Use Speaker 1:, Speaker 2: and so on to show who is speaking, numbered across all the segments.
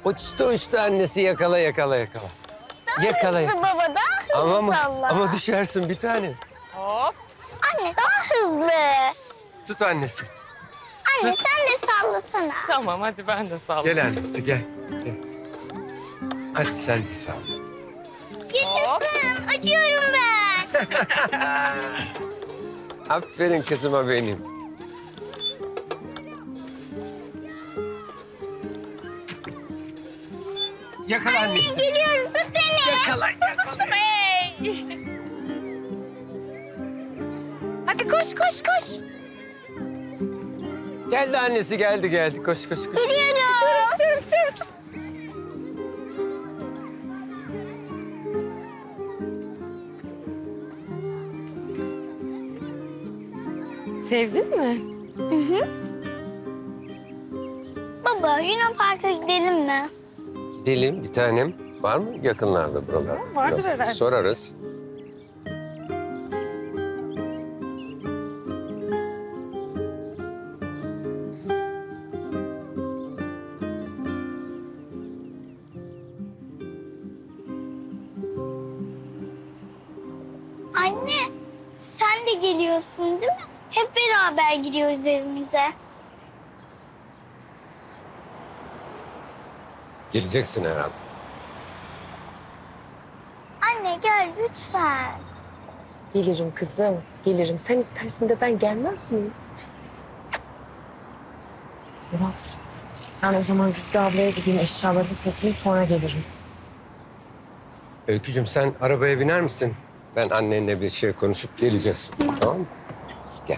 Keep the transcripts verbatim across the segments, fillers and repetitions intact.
Speaker 1: Uçtu uçtu annesi, yakala yakala yakala.
Speaker 2: Daha
Speaker 1: Yakala.
Speaker 2: hızlı baba, daha hızlı
Speaker 1: Ama mı?
Speaker 2: salla.
Speaker 1: Ama düşersin bir tane.
Speaker 3: Hop.
Speaker 2: Anne daha hızlı.
Speaker 1: Tut annesi.
Speaker 2: Anne
Speaker 1: Tut.
Speaker 2: sen de sallasana.
Speaker 3: Tamam hadi ben de sallayayım.
Speaker 1: Gel annesi gel. Gel. Hadi sen de sağ ol.
Speaker 2: Yaşasın, uçuyorum ben.
Speaker 1: Aferin kızıma benim. Yakala annesi.
Speaker 2: Geliyorum, tut beni.
Speaker 1: Yakala yakala.
Speaker 3: Hey. Hadi koş koş koş.
Speaker 1: Geldi annesi, geldi geldi. Koş koş koş.
Speaker 2: Geliyorum.
Speaker 3: Tutuyorum tutuyorum. Sevdin mi?
Speaker 2: Baba, Luna Park'a gidelim mi?
Speaker 1: Gidelim bir tanem. Var mı yakınlarda buralar?
Speaker 3: Vardır herhalde.
Speaker 1: Sorarız.
Speaker 2: Anne, sen de geliyorsun değil mi? Hep beraber gidiyoruz evimize.
Speaker 1: Geleceksin herhalde.
Speaker 2: Anne gel lütfen.
Speaker 3: Gelirim kızım, gelirim. Sen istersin de ben gelmez miyim? Murat, ben o zaman Güzide ablaya gideyim, eşyalarımı toplayayım, sonra gelirim.
Speaker 1: Öykücüğüm sen arabaya biner misin? Ben annenle bir şey konuşup geleceğiz. Tamam mı? Gel.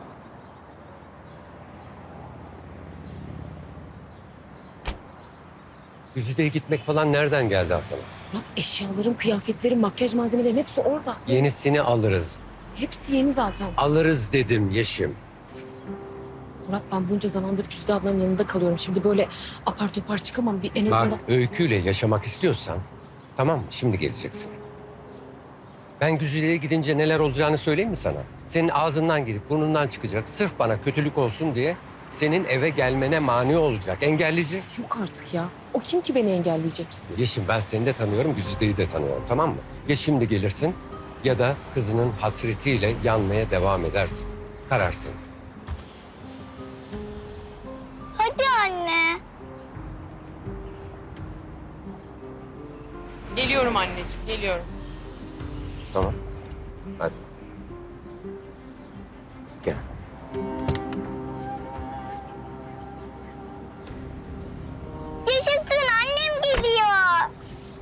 Speaker 1: Güzide'ye gitmek falan nereden geldi aklına?
Speaker 3: Murat, eşyalarım, kıyafetlerim, makyaj malzemelerim hepsi orada.
Speaker 1: Yenisini alırız.
Speaker 3: Hepsi yeni zaten.
Speaker 1: Alırız dedim Yeşim.
Speaker 3: Murat, ben bunca zamandır Güzide ablanın yanında kalıyorum. Şimdi böyle apar topar çıkamam. Bir en azından...
Speaker 1: Bak Öykü'yle yaşamak istiyorsan tamam mı? Şimdi geleceksin. Ben Güzide'ye gidince neler olacağını söyleyeyim mi sana? Senin ağzından girip burnundan çıkacak. Sırf bana kötülük olsun diye senin eve gelmene mani olacak. Engelleyecek.
Speaker 3: Yok artık ya. O kim ki beni engelleyecek?
Speaker 1: Yeşim ben seni de tanıyorum, Güzide'yi de tanıyorum tamam mı? Ya şimdi gelirsin ya da kızının hasretiyle yanmaya devam edersin. Karar senin.
Speaker 2: Hadi anne.
Speaker 3: Geliyorum anneciğim, geliyorum.
Speaker 1: Tamam. Hadi. Gel.
Speaker 2: Yaşasın, annem geliyor.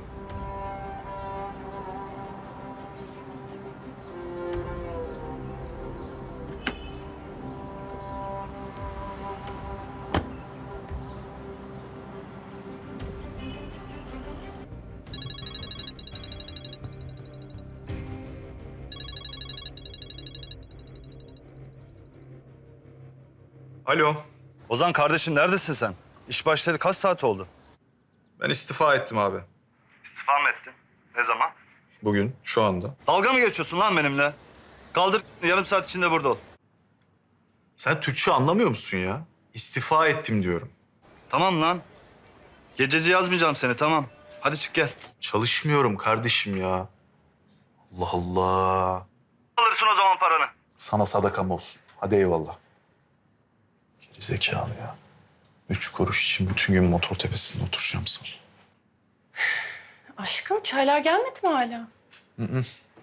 Speaker 4: Alo.
Speaker 5: Ozan kardeşim neredesin sen? İş başladı kaç saat oldu?
Speaker 4: Ben istifa ettim abi.
Speaker 5: İstifa mı ettin? Ne zaman?
Speaker 4: Bugün, şu anda.
Speaker 5: Dalga mı geçiyorsun lan benimle? Kaldır yarım saat içinde burada ol.
Speaker 4: Sen Türkçe anlamıyor musun ya? İstifa ettim diyorum.
Speaker 5: Tamam lan. Gececi yazmayacağım seni tamam. Hadi çık gel.
Speaker 4: Çalışmıyorum kardeşim ya. Allah Allah.
Speaker 5: Alırsın o zaman paranı.
Speaker 4: Sana sadakam olsun. Hadi eyvallah. Geri zekalı ya. Üç kuruş için bütün gün motor tepesinde oturacağım sana.
Speaker 6: Aşkım çaylar gelmedi mi hala?
Speaker 4: Hı hı.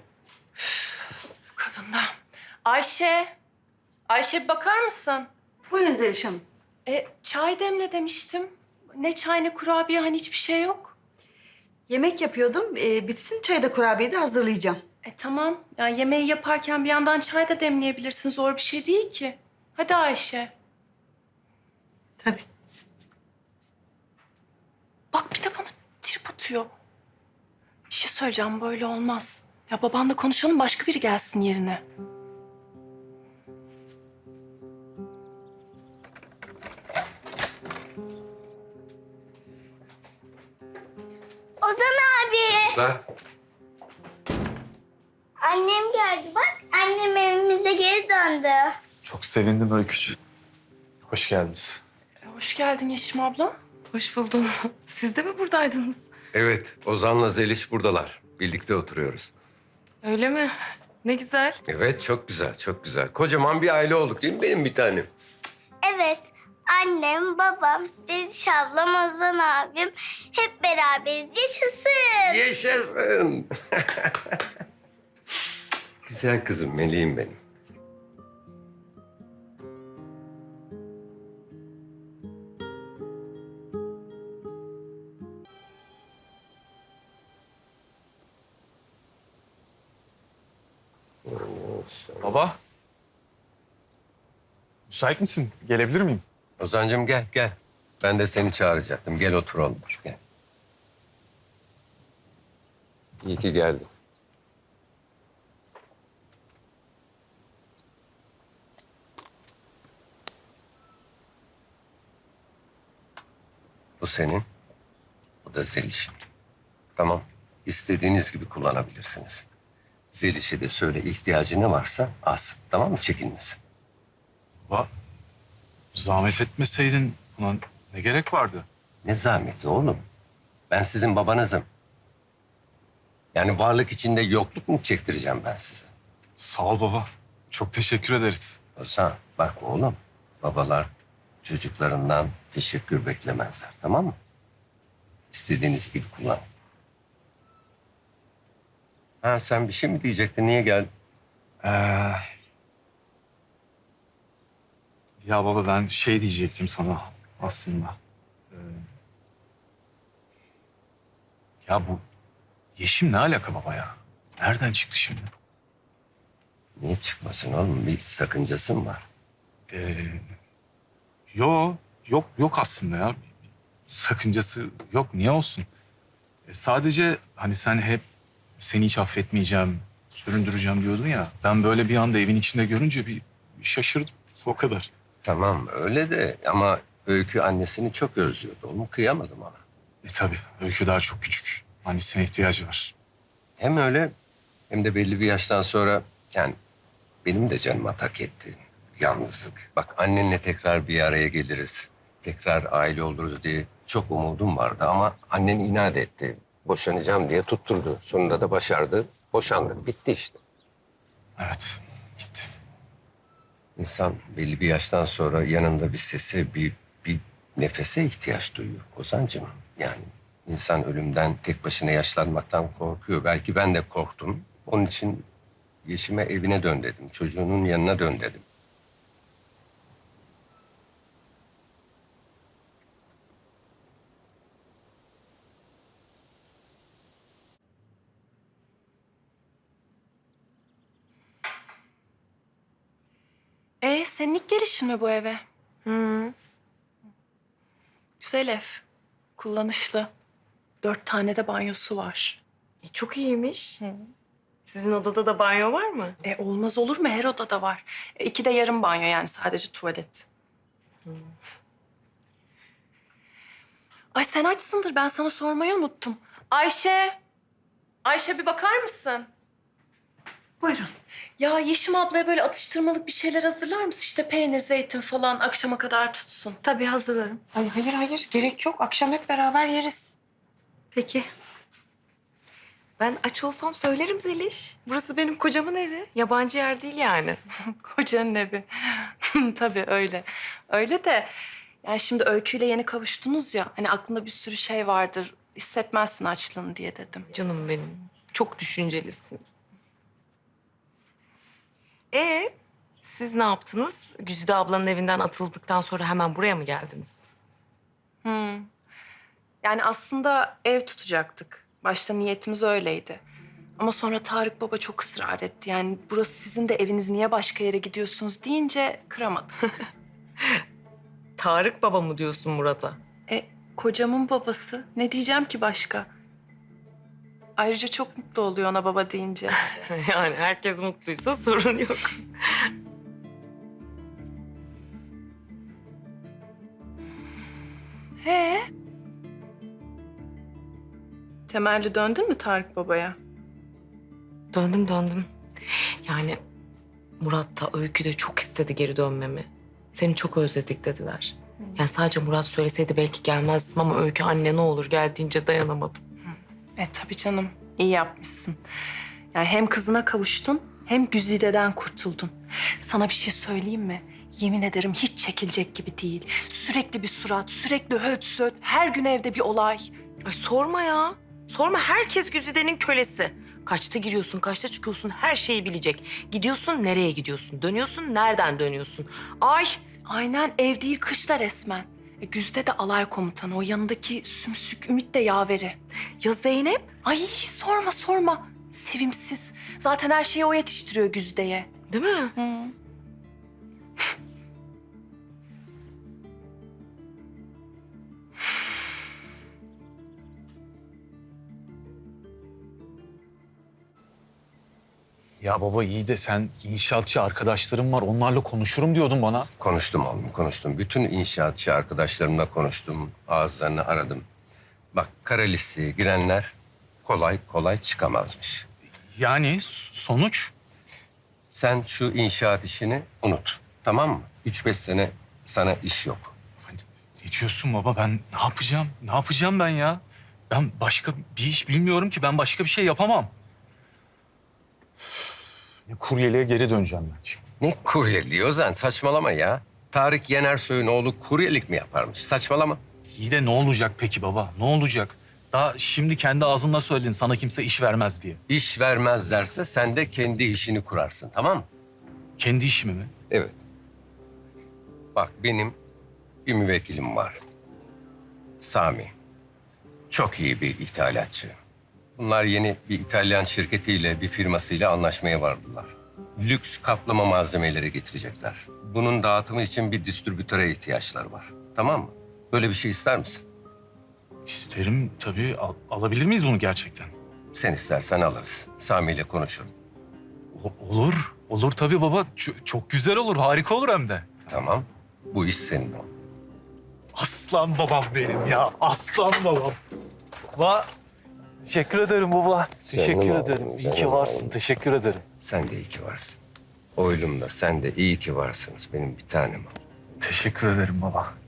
Speaker 6: Bu kadın da. Ayşe. Ayşe bir bakar mısın?
Speaker 7: Buyurun Zeliş Hanım.
Speaker 6: E, çay demle demiştim. Ne çay ne kurabiye hani hiçbir şey yok.
Speaker 7: Yemek yapıyordum. Ee, bitsin çayı da kurabiyeyi de hazırlayacağım.
Speaker 6: E tamam. Yani yemeği yaparken bir yandan çay da demleyebilirsin. Zor bir şey değil ki. Hadi Ayşe.
Speaker 7: Tabii.
Speaker 6: Bak bir de bana trip atıyor. Bir şey söyleyeceğim böyle olmaz. Ya babanla konuşalım başka biri gelsin yerine.
Speaker 2: Ozan abi.
Speaker 1: Lan.
Speaker 2: Annem geldi bak. Annem evimize geri döndü.
Speaker 4: Çok sevindim Öykücüğüm. Hoş geldiniz.
Speaker 6: E, hoş geldin Yeşim abla.
Speaker 3: Hoş buldum. Siz de mi buradaydınız?
Speaker 1: Evet, Ozan'la Zeliş buradalar. Birlikte oturuyoruz.
Speaker 3: Öyle mi? Ne güzel.
Speaker 1: Evet, çok güzel, çok güzel. Kocaman bir aile olduk değil mi benim bir tanem?
Speaker 2: Evet. Annem, babam, Zeliş ablam, Ozan abim hep beraberiz. Yaşasın.
Speaker 1: Yaşasın. Güzel kızım, meleğim benim.
Speaker 4: Baba. Müsait misin? Gelebilir miyim?
Speaker 1: Ozan'cığım gel, gel. Ben de seni çağıracaktım. Gel oturalım. Gel. İyi ki geldin. Bu senin, bu da Zeliş'in. Tamam, istediğiniz gibi kullanabilirsiniz. Zeliş'e de söyle ihtiyacı ne varsa alsın. Tamam mı? Çekinmesin.
Speaker 4: Baba, zahmet etmeseydin buna ne gerek vardı?
Speaker 1: Ne zahmeti oğlum? Ben sizin babanızım. Yani varlık içinde yokluk mu çektireceğim ben size?
Speaker 4: Sağ ol baba. Çok teşekkür ederiz.
Speaker 1: Ozan bak oğlum, babalar çocuklarından teşekkür beklemezler, tamam mı? İstediğiniz gibi kullan. Ha sen bir şey mi diyecektin? Niye geldin?
Speaker 4: Ee, ya baba ben şey diyecektim sana aslında. Ee, ya bu Yeşim ne alaka baba ya? Nereden çıktı şimdi?
Speaker 1: Niye çıkmasın oğlum? Bir sakıncası mı var?
Speaker 4: Ee, yo, yok yok aslında ya. Sakıncası yok. Niye olsun? E, sadece hani sen hep seni hiç affetmeyeceğim, süründüreceğim diyordun ya. Ben böyle bir anda evin içinde görünce bir şaşırdım. O kadar.
Speaker 1: Tamam öyle de ama Öykü annesini çok özlüyordu oğlum. Kıyamadım ona.
Speaker 4: E tabii Öykü daha çok küçük. Annesine ihtiyacı var.
Speaker 1: Hem öyle hem de belli bir yaştan sonra yani benim de canıma tak etti yalnızlık. Bak annenle tekrar bir araya geliriz. Tekrar aile oluruz diye çok umudum vardı ama annen inat etti. Boşanacağım diye tutturdu. Sonunda da başardı. Boşandık. Bitti işte.
Speaker 4: Evet, gitti.
Speaker 1: İnsan belli bir yaştan sonra yanında bir sese, bir, bir nefese ihtiyaç duyuyor Ozan'cığım. Yani insan ölümden tek başına yaşlanmaktan korkuyor. Belki ben de korktum. Onun için Yeşim'e evine dön dedim. Çocuğunun yanına dön dedim.
Speaker 6: E senin ilk gelişin mi bu eve?
Speaker 3: Hı.
Speaker 6: Güzel ev. Kullanışlı. Dört tane de banyosu var.
Speaker 3: E, çok iyiymiş. Sizin odada da banyo var mı?
Speaker 6: E olmaz olur mu? Her odada var. E, iki de yarım banyo yani sadece tuvalet. Ay sen açsındır. Ben sana sormayı unuttum. Ayşe. Ayşe bir bakar mısın?
Speaker 7: Buyurun.
Speaker 6: Ya Yeşim ablaya böyle atıştırmalık bir şeyler hazırlar mısın? İşte peynir, zeytin falan akşama kadar tutsun.
Speaker 7: Tabii hazırlarım.
Speaker 3: Ay hayır hayır gerek yok. Akşam hep beraber yeriz.
Speaker 7: Peki.
Speaker 3: Ben aç olsam söylerim Zeliş. Burası benim kocamın evi. Yabancı yer değil yani.
Speaker 6: Kocanın evi. Tabii öyle. Öyle de yani şimdi Öykü'yle yeni kavuştunuz ya. Hani aklında bir sürü şey vardır. Hissetmezsin açlığını diye dedim.
Speaker 3: Canım benim. Çok düşüncelisin. Ee, siz ne yaptınız? Güzide ablanın evinden atıldıktan sonra hemen buraya mı geldiniz?
Speaker 6: Yani aslında ev tutacaktık. Başta niyetimiz öyleydi. Ama sonra Tarık Baba çok ısrar etti. Yani burası sizin de eviniz, niye başka yere gidiyorsunuz deyince kıramadım.
Speaker 3: Tarık baba mı diyorsun Murat'a?
Speaker 6: E kocamın babası. Ne diyeceğim ki başka? Ayrıca çok mutlu oluyor ona baba deyince.
Speaker 3: Yani herkes mutluysa sorun yok.
Speaker 6: He? Temelli döndün mü Tarık Baba'ya?
Speaker 3: Döndüm döndüm. Yani Murat da Öykü de çok istedi geri dönmemi. Seni çok özledik dediler. Yani sadece Murat söyleseydi belki gelmezdim ama Öykü anne ne olur gel deyince dayanamadım.
Speaker 6: E tabii canım, iyi yapmışsın. Yani hem kızına kavuştun hem Güzide'den kurtuldun. Sana bir şey söyleyeyim mi? Yemin ederim hiç çekilecek gibi değil. Sürekli bir surat, sürekli höt söt, her gün evde bir olay.
Speaker 3: Ay sorma ya. Sorma, herkes Güzide'nin kölesi. Kaçta giriyorsun, kaçta çıkıyorsun her şeyi bilecek. Gidiyorsun nereye gidiyorsun, dönüyorsun nereden dönüyorsun. Ay
Speaker 6: Aynen, ev değil kışla resmen. E, Güzide de alay komutanı, o yanındaki sümsük Ümit de yaveri.
Speaker 3: ya Zeynep?
Speaker 6: Ay sorma sorma, sevimsiz. Zaten her şeyi o yetiştiriyor Güzide'ye.
Speaker 3: Değil mi?
Speaker 4: Ya baba iyi de sen inşaatçı arkadaşlarım var onlarla konuşurum diyordun bana.
Speaker 1: Konuştum oğlum, konuştum. Bütün inşaatçı arkadaşlarımla konuştum. Ağızlarını aradım. Bak, kara listeye girenler kolay kolay çıkamazmış.
Speaker 4: Yani sonuç?
Speaker 1: Sen şu inşaat işini unut. Tamam mı? Üç beş sene sana iş yok.
Speaker 4: Ne diyorsun baba, ben ne yapacağım? Ne yapacağım ben ya? Ben başka bir iş bilmiyorum ki, ben başka bir şey yapamam. Kuryeliğe geri döneceğim ben şimdi.
Speaker 1: Ne kuryeliği Ozan? Saçmalama ya. Tarık Yenersoy'un oğlu kuryelik mi yaparmış? Saçmalama.
Speaker 4: İyi de ne olacak peki baba? Ne olacak? Daha şimdi kendi ağzınla söyledin sana kimse iş vermez diye.
Speaker 1: İş vermezlerse sen de kendi işini kurarsın, tamam mı?
Speaker 4: Kendi işimi mi?
Speaker 1: Evet. Bak, benim bir müvekkilim var. Sami. Çok iyi bir ithalatçı. Bunlar yeni bir İtalyan şirketiyle, bir firmasıyla anlaşmaya vardılar. Lüks kaplama malzemeleri getirecekler. Bunun dağıtımı için bir distribütöre ihtiyaçları var. Tamam mı? Böyle bir şey ister misin?
Speaker 4: İsterim tabii. Al- alabilir miyiz bunu gerçekten?
Speaker 1: Sen istersen alırız. Sami ile konuşurum.
Speaker 4: O- olur. Olur tabii baba. Ç- çok güzel olur. Harika olur hem de.
Speaker 1: Tamam. Bu iş senin o.
Speaker 4: Aslan babam benim ya. Aslan babam. Va Teşekkür ederim baba. Teşekkür
Speaker 1: Canım
Speaker 4: ederim.
Speaker 1: oğlum,
Speaker 4: İyi
Speaker 1: canım
Speaker 4: ki varsın.
Speaker 1: oğlum.
Speaker 4: Teşekkür ederim.
Speaker 1: Sen de iyi ki varsın. Oylum da sen de iyi ki varsınız benim bir tanem.
Speaker 4: Teşekkür ederim baba.